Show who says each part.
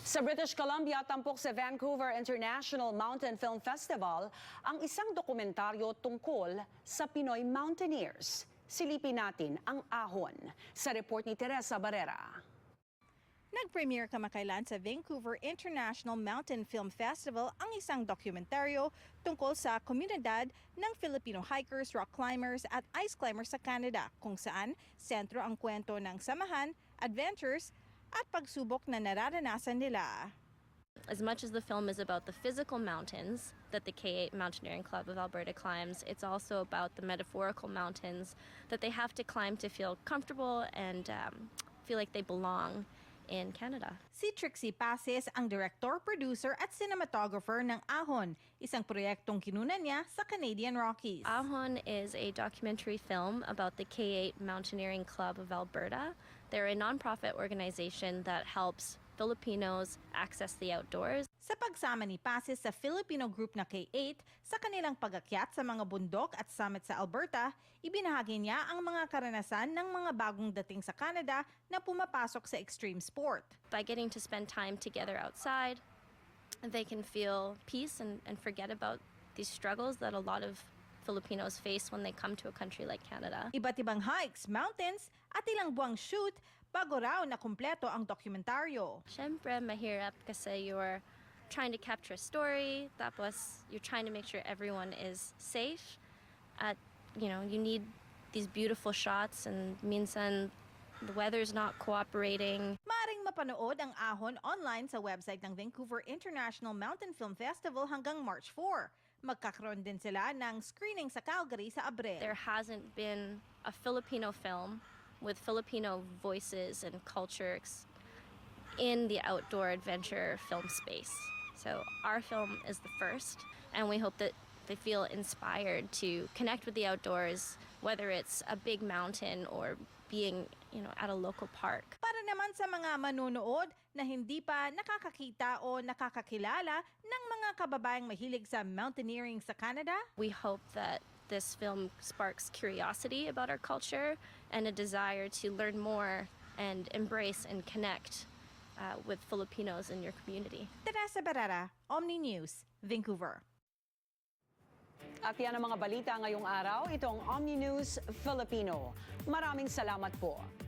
Speaker 1: Sa British Columbia, tampok sa Vancouver International Mountain Film Festival ang isang dokumentaryo tungkol sa Pinoy mountaineers. Silipin natin ang ahon sa report ni Teresa Barrera.
Speaker 2: Nag-premiere kamakailan sa Vancouver International Mountain Film Festival ang isang dokumentaryo tungkol sa komunidad ng Filipino hikers, rock climbers at ice climbers sa Canada, kung saan sentro ang kwento ng samahan, adventures at pagsubok na nararanasan nila.
Speaker 3: As much as the film is about the physical mountains that the K8 Mountaineering Club of Alberta climbs, it's also about the metaphorical mountains that they have to climb to feel comfortable and feel like they belong in Canada.
Speaker 2: Si Trixie Pases ang director, producer at cinematographer ng Ahon, isang proyektong kinunan niya sa Canadian Rockies.
Speaker 3: Ahon is a documentary film about the K8 Mountaineering Club of Alberta. They're a nonprofit organization that helps Filipinos access the outdoors.
Speaker 2: Sa pagsama ni Pases sa Filipino group na K8 sa kanilang pag-akyat sa mga bundok at summit sa Alberta, ibinahagi niya ang mga karanasan ng mga bagong dating sa Canada na pumapasok sa extreme sport.
Speaker 3: By getting to spend time together outside, they can feel peace and forget about these struggles that a lot of Filipinos face when they come to a country like Canada.
Speaker 2: Iba't ibang hikes, mountains at ilang buwang shoot bago raw na kumpleto ang dokumentaryo.
Speaker 3: Siyempre, mahirap kasi you're trying to capture a story, tapos you're trying to make sure everyone is safe. At, you need these beautiful shots and minsan the weather's not cooperating.
Speaker 2: Maaring mapanood ang Ahon online sa website ng Vancouver International Mountain Film Festival hanggang March 4. Magkakaroon din sila ng screening sa Calgary sa Abril.
Speaker 3: There hasn't been a Filipino film with Filipino voices and cultures in the outdoor adventure film space. So our film is the first, and we hope that they feel inspired to connect with the outdoors, whether it's a big mountain or being, at a local park.
Speaker 2: Para naman sa mga manonood na hindi pa nakakakita o nakakakilala ng mga kababayang mahilig sa mountaineering sa Canada,
Speaker 3: we hope that this film sparks curiosity about our culture and a desire to learn more and embrace and connect with Filipinos in your community.
Speaker 2: Teresa Barrera, Omni News, Vancouver.
Speaker 1: At yan ang mga balita ngayong araw. Itong Omni News Filipino. Maraming salamat po.